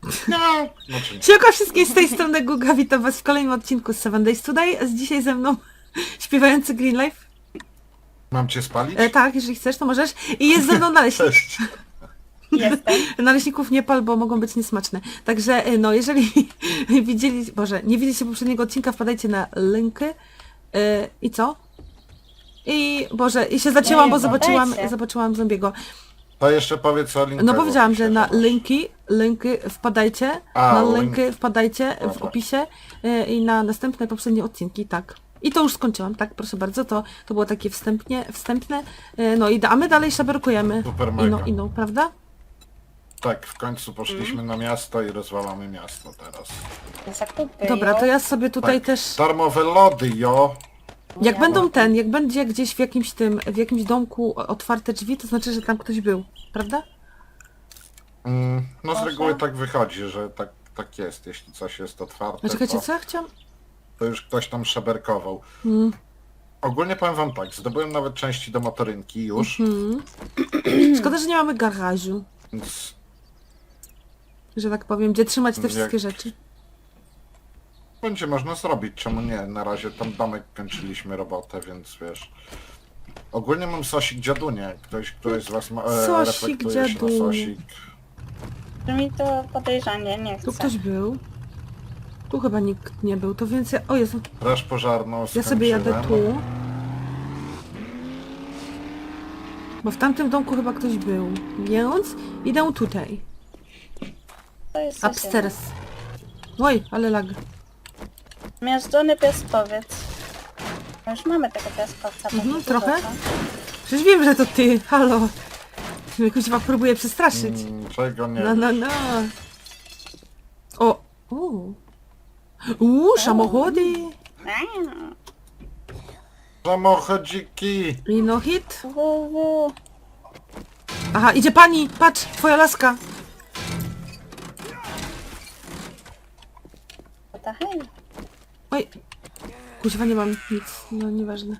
No, znaczy, Siemka wszystkim, z tej strony Guga, witam was w kolejnym odcinku z 7 Days Today, a dzisiaj ze mną śpiewający Green Life. mam cię spalić? Tak, jeżeli chcesz, to możesz. I jest ze mną naleśnik. Cześć. Jestem. Naleśników nie pal, bo mogą być niesmaczne. Także, no, jeżeli widzieli, Boże, nie widzieliście poprzedniego odcinka, wpadajcie na linki. I co? I, Boże, i się zacięłam, Nie, bo wpadajcie. zobaczyłam zombiego. To jeszcze powiedz o linkach. No powiedziałam, w opisie, że na zobacz. linki wpadajcie, A, na link. linki wpadajcie w Dobra. opisie i na następne poprzednie odcinki, tak. I to już skończyłam, tak, proszę bardzo, to było takie wstępne, no i a my dalej szaberkujemy Super mega. ino, prawda? Tak, w końcu poszliśmy na miasto i rozwalamy miasto teraz. Zakupy. Dobra, to ja sobie tutaj Tak. też, Darmowe lody, jo! jak będzie gdzieś w jakimś domku otwarte drzwi, to znaczy, że tam ktoś był, prawda? No z Proszę. reguły tak wychodzi, że tak jest. Jeśli coś jest otwarte, A czekajcie, to, co ja chciałam? to już ktoś tam szaberkował. Ogólnie powiem wam tak, zdobyłem nawet części do motorynki już, Szkoda, że nie mamy garażu, więc że tak powiem, gdzie trzymać te Jak- wszystkie rzeczy. będzie można zrobić, czemu nie? Na razie tam domek kończyliśmy robotę, więc wiesz. Ogólnie mam sosik dziadunie. Któryś z was ma, Sosik reflektuje się na dziadunie. sosik. Mi to podejrzanie nie Tu chcę. ktoś był. Tu chyba nikt nie był, to więc ja... O Jezu, Straż pożarną ja sobie jadę skończyłem. tu. Bo w tamtym domku chyba ktoś był. Więc idę tutaj. To jest coś Upstairs. Oj, ale lag. innego. Miażdżony piaskowiec. No już mamy tego piaskowca. bardzo trochę. dużo. Przecież wiem, że to ty. Halo. Mnie kuźwa próbuje przestraszyć. Czego nie? No. O. Samochody. Samochodziki! I no hit. Wuwu. Aha, idzie pani. Patrz, twoja laska. To hej. Oj. Kuźwa, nie mam nic. No, nieważne.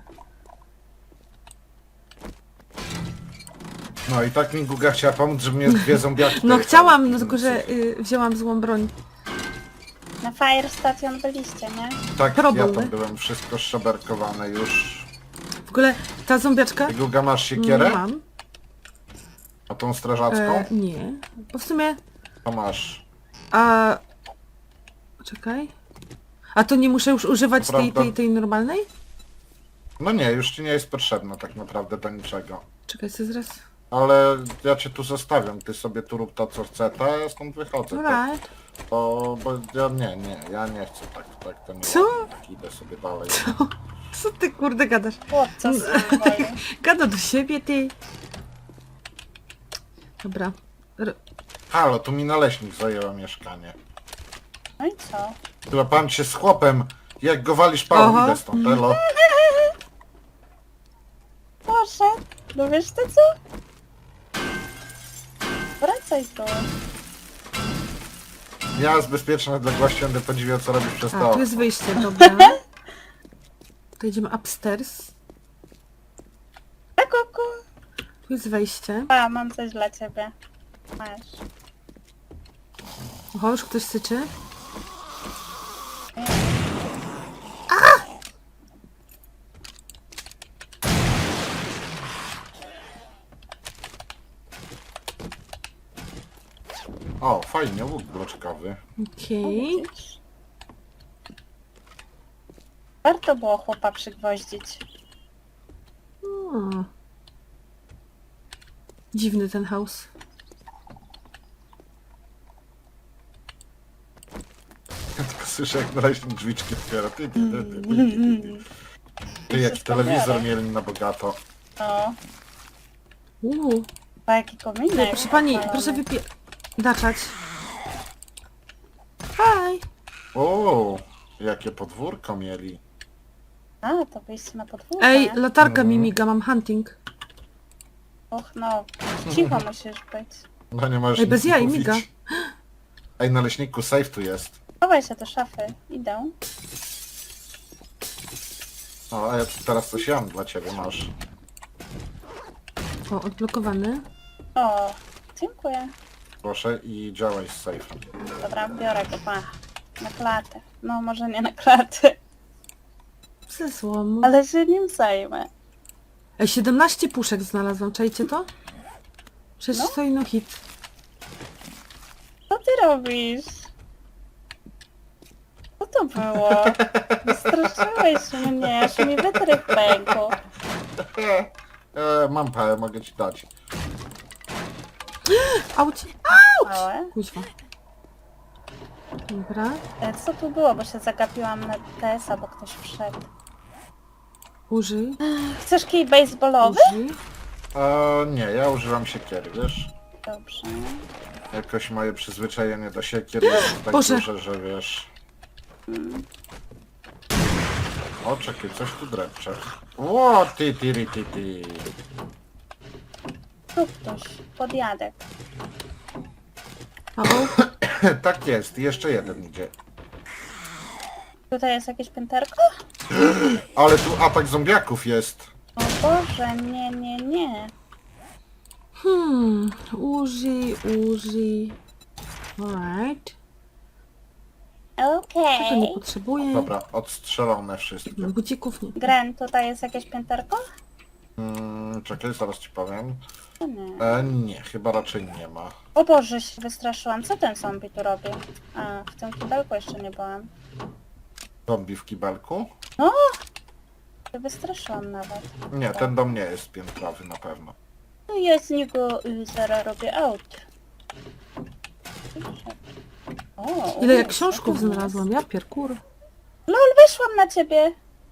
No i tak mi Guga chciała pomóc, żeby mnie dwie zombiaki. No tutaj chciałam, tam- no tylko że wzięłam złą broń. Na Fire Station byliście, nie? Tak, Problem. ja tam byłem, wszystko szaberkowane już. W ogóle ta zombiaczka... Ty Guga masz siekierę? Mam. A tą strażacką? Nie. Bo w sumie... To masz. A... Czekaj. A to nie muszę już używać Prawda. tej normalnej? No nie, już ci nie jest potrzebna tak naprawdę do niczego. Czekaj, co zaraz... Ale ja cię tu zostawiam, ty sobie tu rób to co chce, a ja stąd wychodzę. Alright. Bo ja ja nie chcę tak to nie. Co? ładnie, tak idę sobie dalej. Co ty kurde gadasz? Chłopca z woli. Gada do siebie, ty. Dobra. Halo, tu mi naleśnik zajęła mieszkanie. No i co? Chyba pan się z chłopem, jak go walisz pałą, Aha. idę stąd, elo. Poszedł. No wiesz to co? Wracaj tu. Ja z bezpiecznej odległości będę podziwiał, co robisz przez A, to. tu jest wyjście, dobra. To idziemy upstairs. A kuku. Tu jest wejście. A, mam coś dla ciebie. Masz. Oho, już ktoś syczy. O, fajnie, łuk bloczkowy. Okej. Widzisz? Warto było chłopa przygwoździć. O. Dziwny ten house. Ja tylko słyszę, jak naleśnik drzwiczki otwiera. Ty, jaki telewizor mieli na bogato. No. Uuu. A jaki kominek. Proszę pani, odpalony. proszę daczać. Hi. O, jakie podwórko mieli. A, to wyjście na podwórko. Ej, latarka mi Mhm. miga, mam hunting. Och no, cicho musisz być. No nie możesz Ej, bez nic jaj, mówić. miga. Ej, naleśniku, safe tu jest. Chowaj się do szafy. Idę. O, a ja tu teraz coś mam dla ciebie, masz. O, odblokowany. O, dziękuję. Proszę i działaj z sejfem. Dobra, biorę go, pa. Na klatę. No, może nie na klatę, Ze złomu. ale się nim zajmę. 17 puszek znalazłam, czajcie to? Przecież No. to ino hit. Co ty robisz? Co to było? Wystraszyłeś mnie, aż mi wytrych pękł. Mam parę, mogę ci dać. Auć! Małe. Kuźwa. Dobra. Co tu było, bo się zagapiłam na TS-a, bo ktoś wszedł. Użyj. Chcesz kij baseballowy? Użyj. Nie, ja używam siekiery, wiesz? Dobrze. Jakoś moje przyzwyczajenie do siekier jest tak Boże. duże, że wiesz... O, czekaj, coś tu drepcze. Ło, ty. Tu ktoś. Podjadek. O, Tak jest, jeszcze jeden idzie. Tutaj jest jakieś pięterko? Ale tu atak zombiaków jest. O Boże, nie. użyj. Alright. Tego nie Okej. potrzebuję. Dobra, odstrzelone wszystkie. Bucików nie. Gren, tutaj jest jakieś pięterko? Czekaj, zaraz ci powiem. O nie. Nie, chyba raczej nie ma. O Boże, się wystraszyłam. Co ten zombie tu robi? A, w tym kibelku jeszcze nie byłam. Zombie w kibelku? Się wystraszyłam nawet. Nie, ten dom nie jest piętrowy na pewno. No ja z niego zaraz robię out. O, Ile ja co książków to jest? znalazłam, ja pierkur. LOL, wyszłam na ciebie.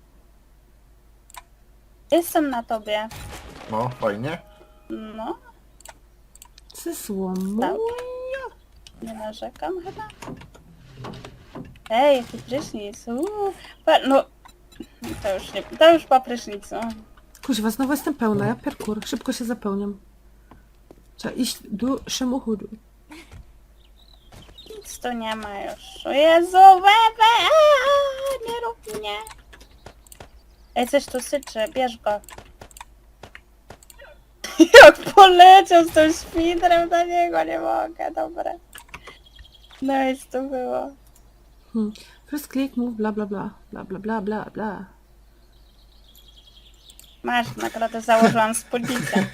Jestem na tobie. No, fajnie. No, Ze złomu. tak. Nie narzekam chyba. Ej, jaki prysznic. No, to już po prysznicu. Kuźwa, znowu jestem pełna, ja pierkur. Szybko się zapełniam. Trzeba iść do samochodu. Nic tu nie ma już. O Jezu, bebe! Nie rób mnie. Ej, coś tu syczy, bierz go. Jak poleciał z tym świdrem na niego, nie mogę, dobra. Nice to było. First click, move, bla bla bla. Bla bla bla bla bla. Masz, nagrodę założyłam spódnicę.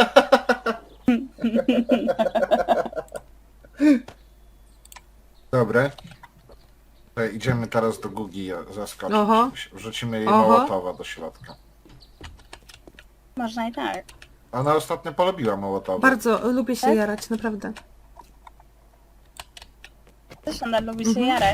Dobre. Idziemy teraz do Gugi zaskoczyć. Oho. Wrzucimy jej Oho. Mołotowa do środka. Można i tak. Ona ostatnio polubiła Mołotowa. Bardzo lubię się Tak? jarać, naprawdę. Też ona lubi się jarać.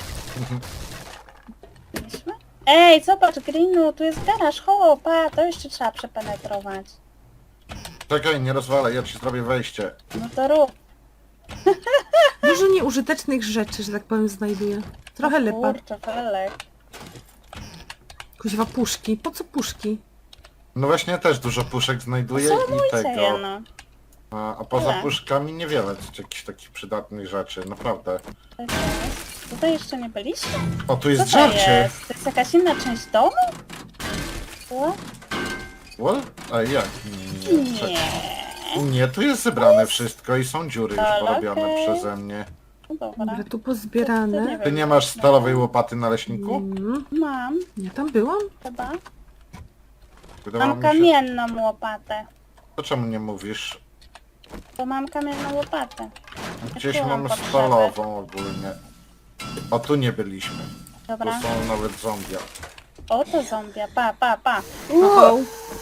Byliśmy? Ej, zobacz, Greenu, tu jest garaż, chopa, to jeszcze trzeba przepenetrować. Czekaj, nie rozwalaj, ja ci zrobię wejście. No to rób. Dużo nieużytecznych rzeczy, że tak powiem, znajduję. Trochę lepa. Kurczę, felek. Kuźwa, puszki. Po co puszki? No właśnie, ja też dużo puszek znajduję i Zamójcie je, tego. no. A poza Tyle. puszkami niewiele jakichś takich przydatnych rzeczy, naprawdę. Tak jest. Tutaj jeszcze nie byliśmy? O, tu Co jest to żarcie! jest? To jest jakaś inna część domu? Co? What? A jak? Nie. czekaj. Nie. Nie, tu jest zebrane wszystko i są dziury już Ale porobione okej. przeze mnie. No dobra. Dobra, tu To pozbierane. nie Ty wiem. nie masz stalowej łopaty na leśniku? Mam, Ja tam byłam? chyba. Wydawało Mam mi się... kamienną łopatę. To czemu nie mówisz? Bo mam kamienną łopatę. Gdzieś Jaką mam mamy potrzebę? stalową ogólnie. O, tu nie byliśmy. Tu Dobra. są nawet zombie. O, to zombia. Pa. Oho.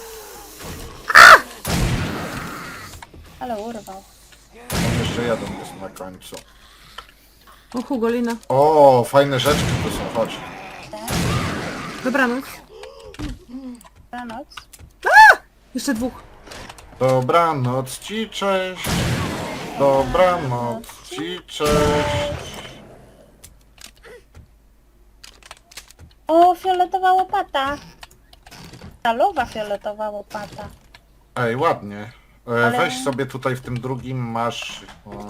Ale urwał. Tam jeszcze jeden jest na końcu. O, Hugolina. O, fajne rzeczy tu są, chodź. Dobranoc. Dobranoc. Jeszcze dwóch. Dobranoc ci, cześć. Dobranoc ci, cześć. O, fioletowa łopata. Stalowa fioletowa łopata. Ej, ładnie. Ale- Weź sobie tutaj w tym drugim masz...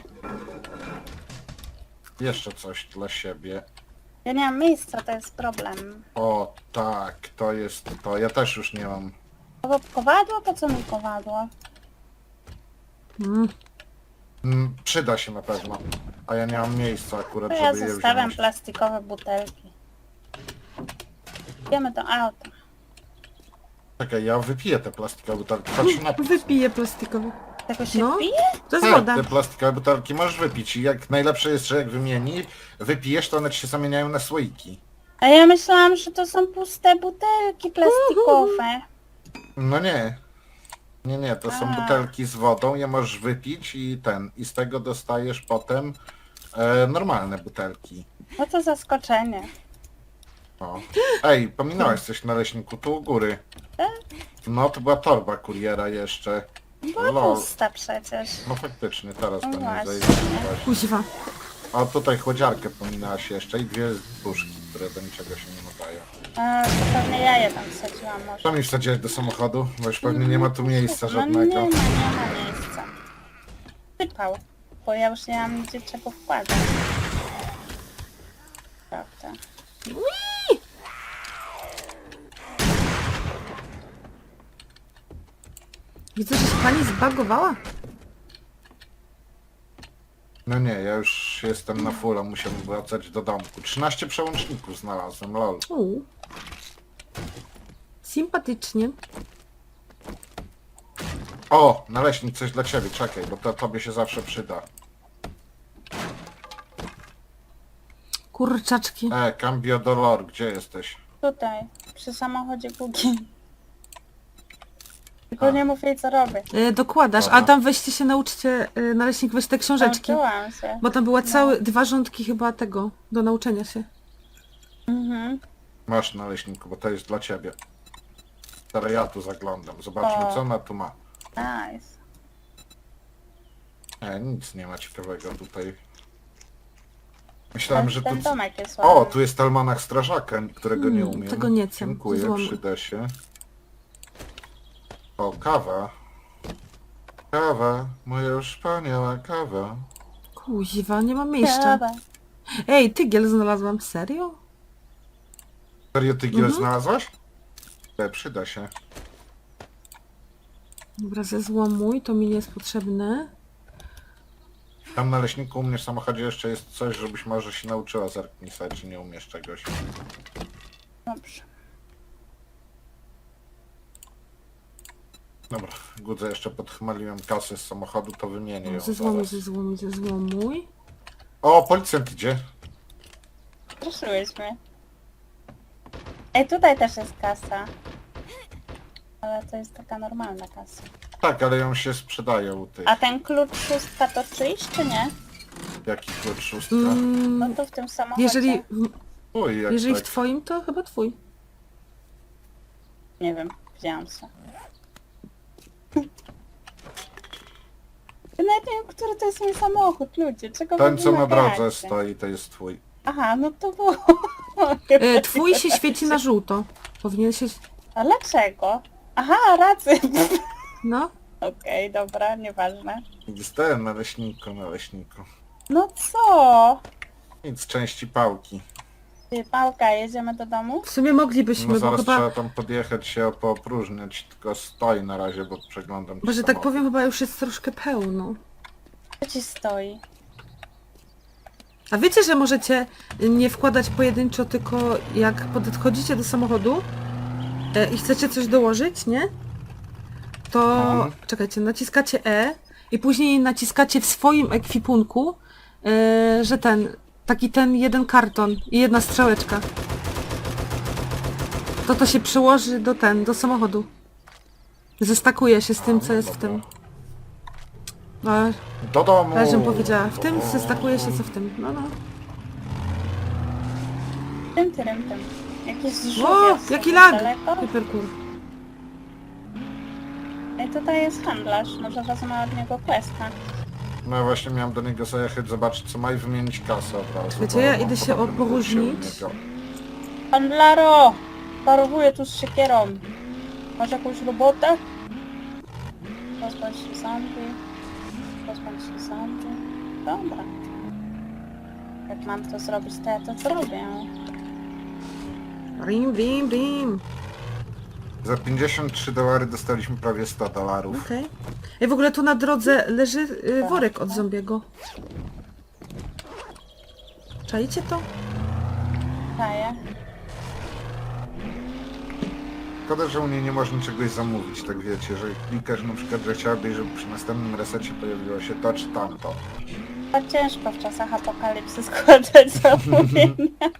jeszcze coś dla siebie. Ja nie mam miejsca, to jest problem. O, tak, to jest to. Ja też już nie mam. Kowadło? Po co mi kowadło? Przyda się na pewno. A ja nie mam miejsca akurat, To ja żeby je zostawiam wziąć. plastikowe butelki. Idziemy do auta. Czekaj, ja wypiję te plastikowe butelki. Patrz na napis. Wypiję plastikowy. Tego się No. pije? To jest Tak, woda. te plastikowe butelki możesz wypić i jak najlepsze jest, że jak wypijesz, to one ci się zamieniają na słoiki. A ja myślałam, że to są puste butelki plastikowe. No nie. Nie, to są A. butelki z wodą, je możesz wypić i z tego dostajesz potem normalne butelki. No to zaskoczenie. O. Ej, pominąłeś coś na leśniku, tu u góry. Tak? No, to była torba kuriera jeszcze. Była Lol. pusta przecież. No faktycznie, teraz No to nie właśnie. zajdzie. Kuźwa. A tutaj chłodziarkę pominęłaś jeszcze i dwie puszki, które do niczego się nie nadają. A, to pewnie ja je tam wsadziłam może. Co mi wsadziłeś do samochodu? Bo już pewnie nie ma tu miejsca No żadnego. nie ma miejsca. Sypał, bo ja już nie mam gdzie czego wkładać. Prawda. Widzę, że się pani zbagowała. No nie, ja już jestem na fulla, musiałem wracać do domku. 13 przełączników znalazłem, lol. Sympatycznie. O, naleśnik, coś dla ciebie, czekaj, bo to tobie się zawsze przyda. Kurczaczki. Cambio Dolor, gdzie jesteś? Tutaj, przy samochodzie Gugi. Tylko A. nie mów jej co robię. Dokładasz, Dobra. a tam weźcie się nauczcie, naleśnik, weź te książeczki. Nauczyłam się. Bo tam była dwa rządki chyba tego, do nauczenia się. Mhm. Masz naleśniku, bo to jest dla ciebie. Teraz ja tu zaglądam, zobaczmy O. co ona tu ma. Nice. Nic nie ma ciekawego tutaj. Myślałem, że tu... Ten domek jest ładny. O, tu jest almanach strażaka, którego nie umiem. tego nie chcę, Dziękuję, złomy. przyda się. O, kawa. Kawa, moja już wspaniała kawa. Kuźwa, nie mam miejsca. Dobra. Ej, tygiel znalazłam, serio? Serio tygiel znalazłaś? Przyda się. Dobra, zezłomuj, to mi nie jest potrzebne. Tam na leśniku u mnie w samochodzie jeszcze jest coś, żebyś może się nauczyła zerknij sobie, czy nie umiesz czegoś. Dobrze. Dobra, Gudze jeszcze podchmaliłem kasę z samochodu, to wymienię ją Zezłomuj, zaraz. zezłomuj, zezłomuj. O, policjant idzie. Straszyłeś mnie. Ej, tutaj też jest kasa. Ale to jest taka normalna kasa. Tak, ale ją się sprzedaje u tych. A ten klucz szóstka to czyjś, czy nie? Jaki klucz szóstka? No to w tym samochodzie. Jeżeli, Uj, jak jeżeli w tak. twoim, to chyba twój. Nie wiem, wzięłam się. Ja nawet nie wiem, który to jest mój samochód, ludzie. Czego Ten, wy co na wymagacie? drodze stoi, to jest twój. Aha, no to było. Twój się świeci na żółto. Powinien się... A dlaczego? Aha, rację. No. Okej, dobra, nieważne. Dostałem na leśniku. No co? Nic, części pałki. Ty, Pałka, jedziemy do domu? W sumie moglibyśmy, No bo zaraz chyba... trzeba tam podjechać się poopróżniać, tylko stoi na razie, bo przeglądam ci Bo, że tak samochód. powiem, chyba już jest troszkę pełno. Co ci stoi? A wiecie, że możecie nie wkładać pojedynczo, tylko jak podchodzicie do samochodu i chcecie coś dołożyć, nie? To czekajcie, naciskacie E i później naciskacie w swoim ekwipunku, że ten jeden karton i jedna strzałeczka. To się przyłoży do samochodu. Zestakuje się z tym, co jest w tym. A, Do domu! ale żebym powiedziała, w tym zestakuje się, co w tym. No. Tym. Jakiś żółw O, jest jaki sobie lag! daleko. Hypercool. Ej, tutaj jest handlarz, może wezmę od niego questa. No ja właśnie miałem do niego zajechać, zobaczyć co ma i wymienić kasę od razu. Wiecie, bo ja mam idę się podobny dług poróżnić. u niego. Handlaro! Parowuję tu z siekierą. Masz jakąś robotę? Pozbądź się zombie. Dobra. Jak mam to zrobić, to ja to zrobię. Brim. Za $53 dostaliśmy prawie $100. Okej. I w ogóle tu na drodze leży worek od zombiego. Czajcie to? Daję. Szkoda, że u mnie nie można czegoś zamówić, tak wiecie, że klikasz na przykład, że chciałabyś, żeby przy następnym resecie pojawiło się to czy tamto. To ciężko w czasach apokalipsy składać zamówienia.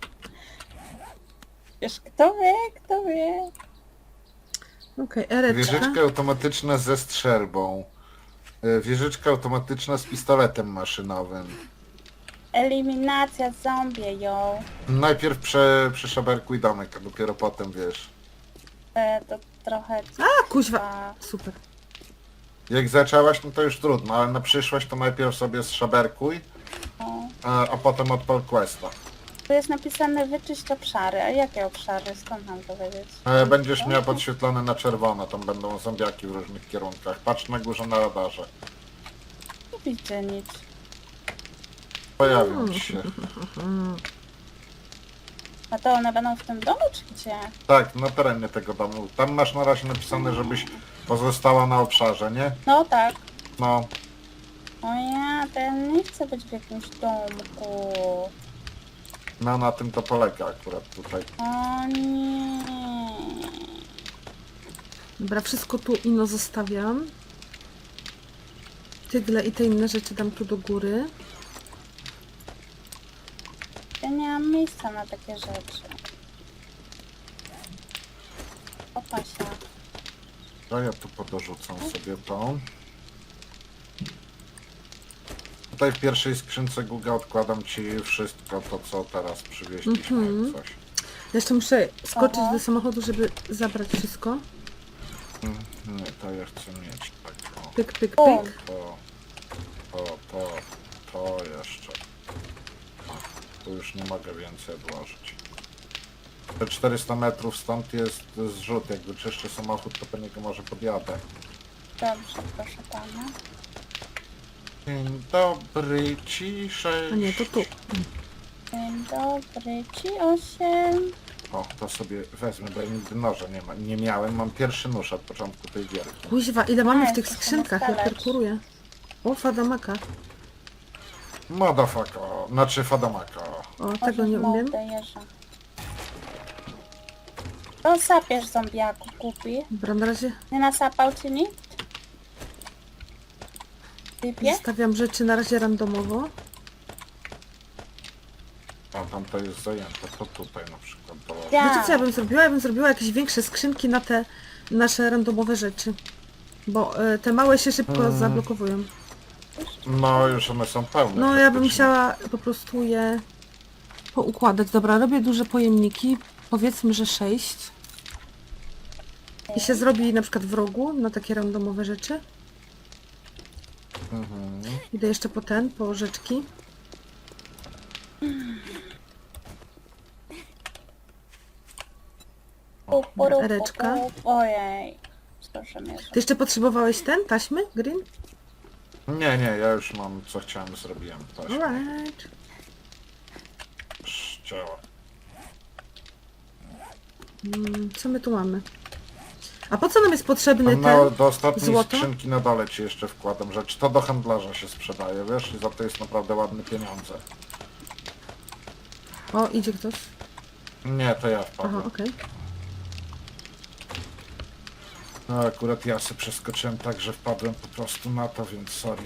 Wiesz, kto wie, kto wie. Okej, ereczka. Wieżyczka automatyczna ze strzelbą. Wieżyczka automatyczna z pistoletem maszynowym. Eliminacja zombie, ją. Najpierw przeszaberkuj domek, a dopiero potem wiesz. To trochę... A, kuźwa. Super. Jak zaczęłaś, no to już trudno, ale na przyszłość to najpierw sobie zszaberkuj, a potem odpal questa. Tu jest napisane wyczyść obszary. A jakie obszary? Skąd mam to wiedzieć? Będziesz miał podświetlone na czerwono, tam będą zombiaki w różnych kierunkach. Patrz na górze na radarze. Nie widzę nic. Pojawią ci się. A to one będą w tym domu, czy gdzie? Tak, na terenie tego domu. Tam masz na razie napisane, żebyś pozostała na obszarze, nie? No tak. No, O ja, to ja nie chcę być w jakimś domku. no na tym to polega akurat tutaj. O nie. Dobra, wszystko tu ino zostawiam. Tygle i te inne rzeczy dam tu do góry. Ja nie mam miejsca na takie rzeczy. Opasia. To ja tu podorzucam sobie to. Tutaj w pierwszej skrzynce Google odkładam ci wszystko to, co teraz przywieźliśmy, jak coś. Jeszcze muszę skoczyć Aha. do samochodu, żeby zabrać wszystko. Nie, to ja chcę mieć tak, o, Pyk, pyk, O. pyk. to jeszcze. O, tu już nie mogę więcej odłożyć. Te 400 metrów stąd jest zrzut, jakby czyszczę samochód, to po niego może podjadę. Dobrze, proszę pana. Dzień dobry, ciszej. A nie, to tu. Dzień dobry, ci 8. O, to sobie wezmę, bo ja nigdy noża nie miałem. Mam pierwszy nóż od początku tej gierki. Kuźwa, ile mamy w tych jeszcze się skrzynkach, ja ustalać. perkuruję. O, fadamaka. Motherfucker, znaczy Fadamaka. O, tego nie umiem. Jeża. To sapiesz zombiaku, kupi. Dobra, na razie Nie nasapał ci nikt? Typie? zostawiam rzeczy na razie randomowo. A tam to jest zajęte, to tutaj na przykład. To... Ja. Wiecie co ja bym zrobiła? Ja bym zrobiła jakieś większe skrzynki na te nasze randomowe rzeczy. Bo te małe się szybko zablokowują. No już one są pełne. No ja bym praktycznie. chciała po prostu je poukładać. Dobra, robię duże pojemniki. Powiedzmy, że 6. I się zrobi na przykład w rogu na takie randomowe rzeczy. Mhm. Idę jeszcze po rzeczki. Ereczka. Ojej. Proszę mnie. Ty jeszcze potrzebowałeś taśmy? Green? Nie, ja już mam co chciałem, zrobiłem. To się Alright. działa. Co my tu mamy? A po co nam jest potrzebny Tam ten do ostatniej złoto? skrzynki na dole ci jeszcze wkładam rzecz. To do handlarza się sprzedaje, wiesz? I za to jest naprawdę ładne pieniądze. O, idzie ktoś. Nie, to ja Aha, wpadłem. okej. No akurat ja sobie przeskoczyłem tak, że wpadłem po prostu na to, więc sorry.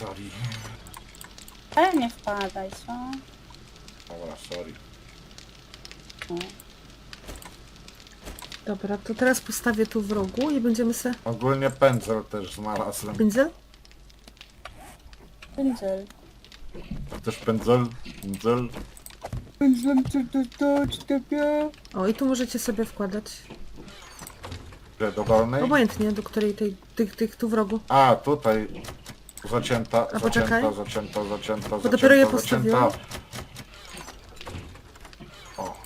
Ale nie wpadaj, co? Dobra, sorry. Dobra, to teraz postawię tu w rogu i będziemy se... Ogólnie pędzel też znalazłem. Pędzel? Pędzel. A też pędzel? Pędzel? Pędzlem chcę dostać ciebie. O, i tu możecie sobie wkładać. Gdzie, do dolnej? Obojętnie, do której tych tu w rogu. A, tutaj. Zacięta, poczekaj. zacięta. Bo dopiero je zacięta. postawiłam. O,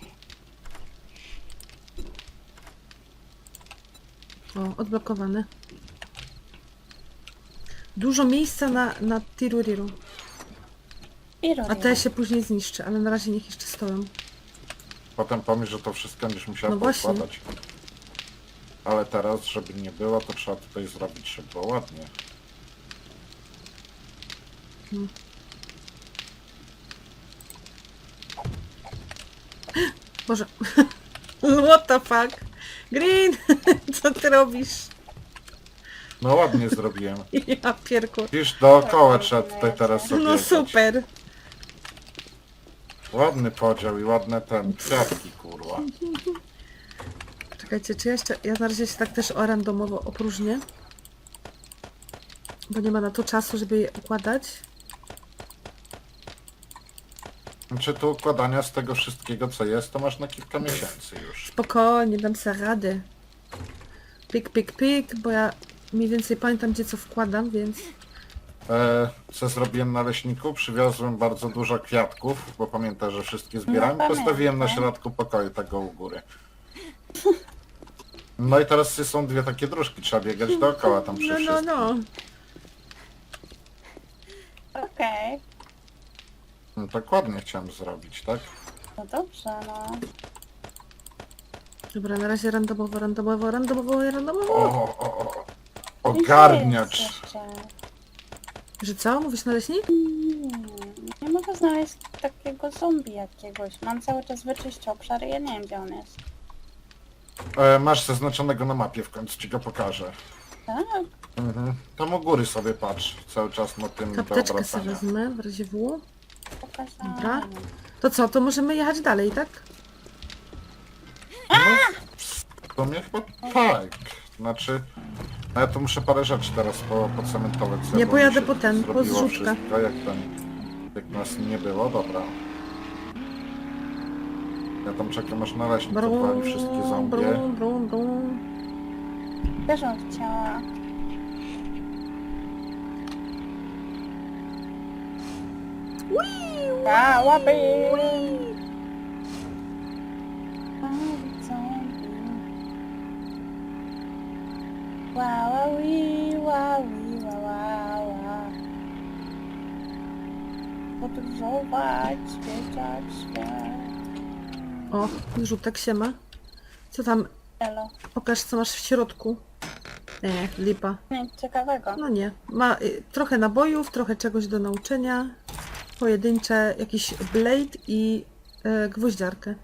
O, odblokowane. Dużo miejsca na tiruriru. A te się później zniszczy, ale na razie niech jeszcze stoją. potem pomyśl, że to wszystko będziesz musiała No właśnie. poukładać. Ale teraz, żeby nie było, to trzeba tutaj zrobić, żeby było ładnie. Boże. What the fuck? Green! Co ty robisz? No ładnie zrobiłem. Ja pierku. Widzisz, dookoła trzeba tutaj teraz No obiegać. super. Ładny podział i ładne ten, kwiatki, kurwa. Czekajcie, czy jeszcze... Ja na razie się tak też randomowo opróżnię. Bo nie ma na to czasu, żeby je układać. Znaczy tu układania z tego wszystkiego, co jest, to masz na kilka miesięcy już. Spokojnie, dam sobie radę. Pik, pik, pik, bo ja mniej więcej pamiętam, gdzie co wkładam, więc... Co zrobiłem na leśniku? Przywiozłem bardzo dużo kwiatków, bo pamiętam, że wszystkie zbierałem. No, Postawiłem na pamiętam. środku pokoju, tego u góry. No i teraz są dwie takie dróżki, trzeba biegać dookoła tam przy No, no, wszystkim. no. Okej. No tak ładnie chciałem zrobić, tak? No dobrze, no. Dobra, na razie randomowo, randomowo, randomowo, O, randomowo. o, o, o. I gdzie Ogarniacz! jest jeszcze? Że co? Mówisz na leśnik? Nie mogę znaleźć takiego zombie jakiegoś. Mam cały czas wyczyścić obszar i ja nie wiem, gdzie on jest. Masz zaznaczonego na mapie, w końcu ci go pokażę. Tak? Mhm. Tam u góry sobie patrz, cały czas na tym do Apteczkę sobie obracania. wezmę, w razie W. Pokazałam. Dobra. To co, to możemy jechać dalej, tak? No, w sumie chyba tak. Znaczy, no ja tu muszę parę rzeczy teraz pocementować. Nie, bo pojadę mi się po ten, po zrobiło zrzutkę. wszystko, jak nas nie było, dobra. Ja tam czekam aż na leśnik odwali wszystkie zombie. brum, brum, brum. Też bym chciała. A, łapy! Wow, wow, wow, wow, wow. Podróżować, zwiedzać świat. O, rzutek się ma. Co tam? Elo. Pokaż, co masz w środku. Nie, lipa. Nic ciekawego. No nie. Ma trochę nabojów, trochę czegoś do nauczenia. Pojedyncze, jakiś blade i gwoździarkę.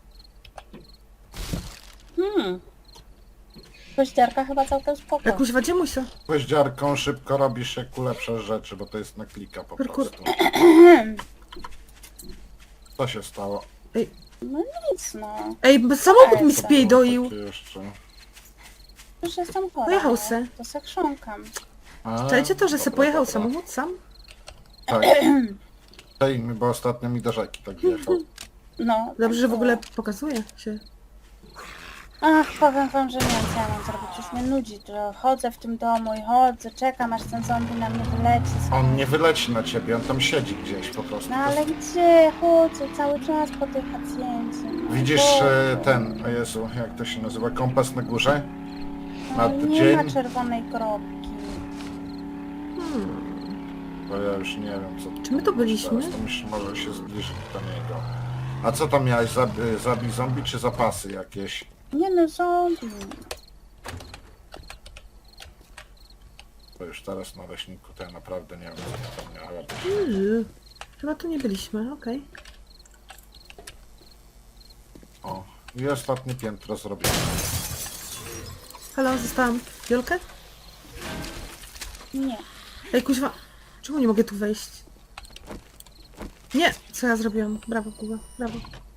Kościarka chyba całkiem spoko. Jak kuźwa, gdzie musia? Gwoździarką szybko robisz jak ulepszasz rzeczy, bo to jest na klika po Kurkur. prostu. Co się stało? No nic no. Ej, bo samochód mi Ej, spiejdoił. Takie jeszcze. Już jestem chora. Pojechał no. se. To se chrząkam. A, Czajcie to, że se dobra, pojechał dobra. samochód sam? Tak. Tej mi, bo ostatnio mi do rzeki tak wjechał. No. Dobrze, że w ogóle pokazuje się. Ach, powiem wam, że nie wiem co ja mam zrobić. Już mnie nudzi, że chodzę w tym domu i chodzę, czekam aż ten zombie na mnie wyleci. On nie wyleci na ciebie, on tam siedzi gdzieś po prostu. No ale gdzie? Chodzę cały czas po tej pacjencie. No, Widzisz Boże. ten, o Jezu, jak to się nazywa, kompas na górze? No, na nie dzień? ma czerwonej kropki. Bo ja już nie wiem co... Czy my to byliśmy? Teraz to myślę, może się zbliżyć do niego. A co tam miałeś? Zabij zombie czy zapasy jakieś? Nie no, zombie. Bo już teraz na leśniku to ja naprawdę nie wiem co tam miałem. Chyba tu nie byliśmy, okej. O, i ostatnie piętro zrobione. Halo, zostałam. Wiolkę? Nie. Ej, kuźwa, czemu nie mogę tu wejść? Nie! Co ja zrobiłam? Brawo, Kuba, brawo.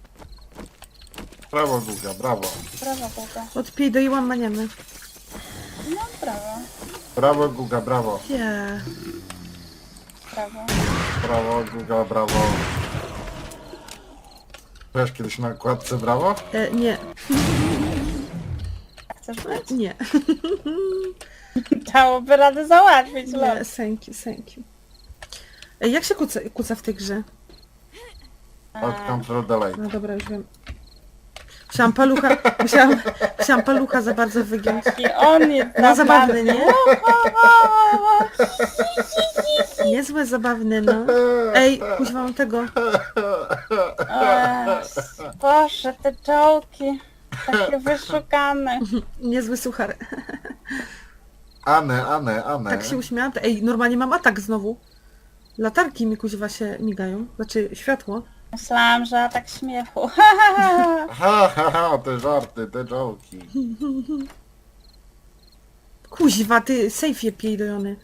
Brawo Guga, brawo. Brawo, Boga. Odpiejdoiłam maniemy. No, brawo. Brawo Guga, brawo. Yeah. Brawo. Brawo Guga, brawo. Byłeś kiedyś na okładce brawo? Nie, Chcesz być? nie, Dałoby radę załatwić, nie, lol. thank you, thank you. Ej, jak się kuca w tej grze? Od Control Delay. No dobra, już wiem. Musiałam palucha za bardzo wygiąć. I on jest No zabawny, nie? Niezłe zabawny, no. Ej, kuźwa, mam tego. Boże, te czołki. Takie wyszukane. Niezły suchar. Ane. Tak się uśmiałam. Ej, normalnie mam atak znowu. Latarki mi kuźwa się migają. Znaczy światło. Myślałam, że atak śmiechu. Ha, te żarty, te jołki. Kuźwa, ty sejfie pierdolony.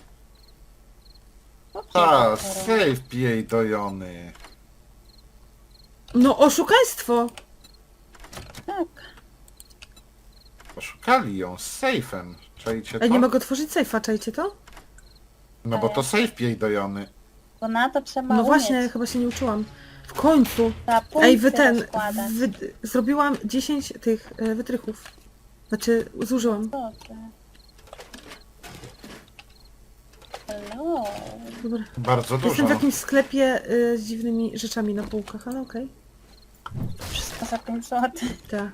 Ha, save jej dojony. No oszukaństwo! Tak. Oszukali ją z sejfem. Czajcie to? Ej, nie mogę otworzyć sejfa, czajcie to? No bo to save jej dojony. Bo na to trzeba No właśnie, umieć. chyba się nie uczyłam. W końcu! Trzeba Ej, punkty rozkładać. zrobiłam 10 tych wytrychów. Znaczy, zużyłam. Co ty? Hello. Dobra. Bardzo Jestem dużo. w jakimś sklepie z dziwnymi rzeczami na półkach, ale okej. Wszystko za 5 zł. Tak.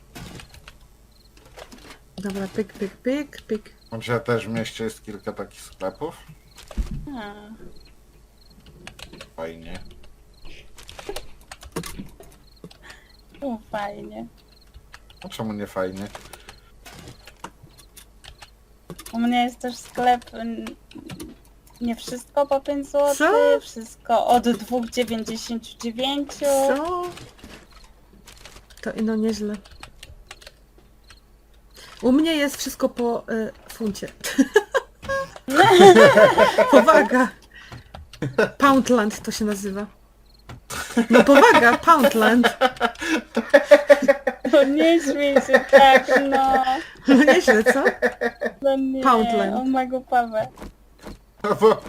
Dobra, pyk. Gdzie też w mieście jest kilka takich sklepów. Fajnie. Fajnie. A czemu nie fajnie? U mnie jest też sklep nie wszystko po 5 zł, Co? wszystko od 2,99. Co? To ino nieźle. U mnie jest wszystko po funcie. Powaga! Poundland to się nazywa. No powaga, Poundland. No nie śmiej się tak, no. No nieźle, co? No nie, Poundland. o mego Pawę. No bo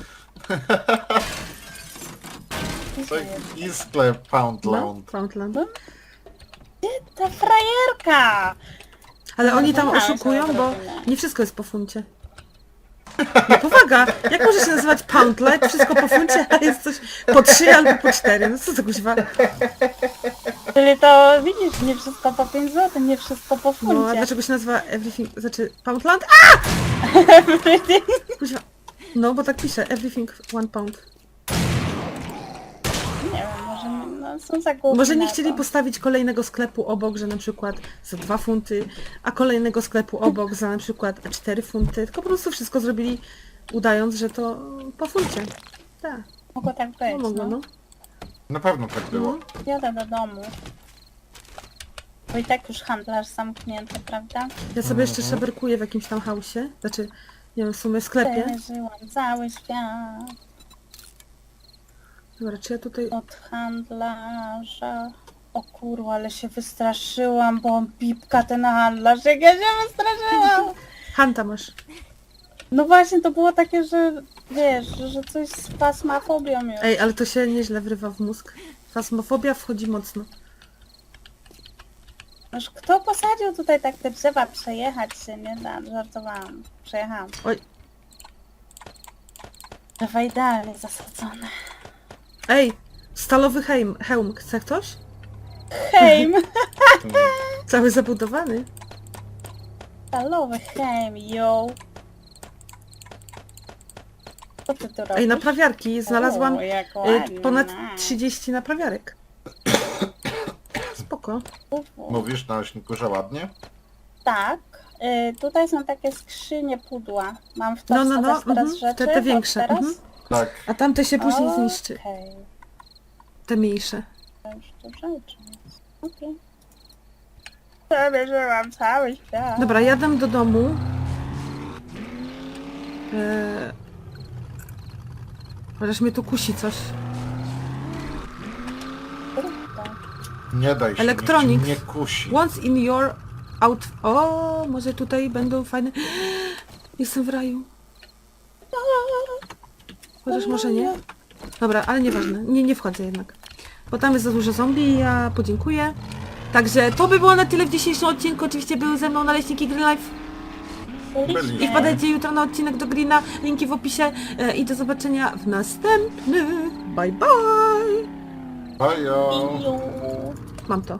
taki sklep No, Poundland. Poundland. Ta frajerka! Ale oni tam Zapomniałam oszukują, sobie bo odrobinę. nie wszystko jest po funcie. No powaga! Jak może się nazywać Poundland? Wszystko po funcie, a jest coś po 3 albo po 4. No co to kuźwa? Czyli to widzisz, nie wszystko po 5 zł, nie wszystko po funcie. No a dlaczego się nazywa Everything, znaczy Poundland? Kuźwa. No bo tak pisze, Everything 1 pound. Nie wiem, może no, są za głupi Może nie na chcieli to. postawić kolejnego sklepu obok, że na przykład za 2 funty, a kolejnego sklepu obok za na przykład 4 funty, tylko po prostu wszystko zrobili udając, że to po funcie. Tak, Mogło tak no być, mogło, no. no. Na pewno tak było. Jadę do domu. Bo i tak już handlarz zamknięty, prawda? Ja sobie jeszcze szaberkuję w jakimś tam hausie, znaczy, nie wiem, w sumie sklepie. Przeżyłam cały świat Dobra, czy ja tutaj... od handlarza. O kurwa, ale się wystraszyłam, bo on pipka ten handlarz, jak ja się wystraszyłam! Hanta masz. No właśnie, to było takie, że wiesz, że coś z pasmafobią już. Ej, ale to się nieźle wrywa w mózg. Fasmofobia wchodzi mocno. Aż kto posadził tutaj tak te drzewa? Przejechać się nie da, żartowałam. Przejechałam. Oj. Drzewa idealnie zasadzone. Ej, stalowy hełm, chce ktoś? Hejm! Cały zabudowany. Stalowy hejm, yo! Co ty tu robisz? Ej, naprawiarki, znalazłam O, jak ładnie. ponad 30 naprawiarek. Spoko. Mówisz na nośniku, że ładnie? Tak. Tutaj są takie skrzynie pudła. Mam w to No, wsadzać teraz mhm, rzeczy? te od większe. Teraz? Mhm. Tak. A tamte się później zniszczy. Okej. Te mniejsze. To już to rzeczy. Okej. Przemierzyłam cały świat. Dobra, jadę do domu. Chociaż mnie tu kusi coś. Nie daj się, Electronics. nikt cię nie kusi. Once in your out... O, może tutaj będą fajne... Jestem w raju. Chociaż może nie. Dobra, ale nieważne. Nie wchodzę jednak. Bo tam jest za dużo zombie i ja podziękuję. Także to by było na tyle w dzisiejszym odcinku. Oczywiście były ze mną naleśniki Green Life. I wpadajcie jutro na odcinek do Greena. Linki w opisie. I do zobaczenia w następnym. Bye bye. Bajo. Iu. Mam to.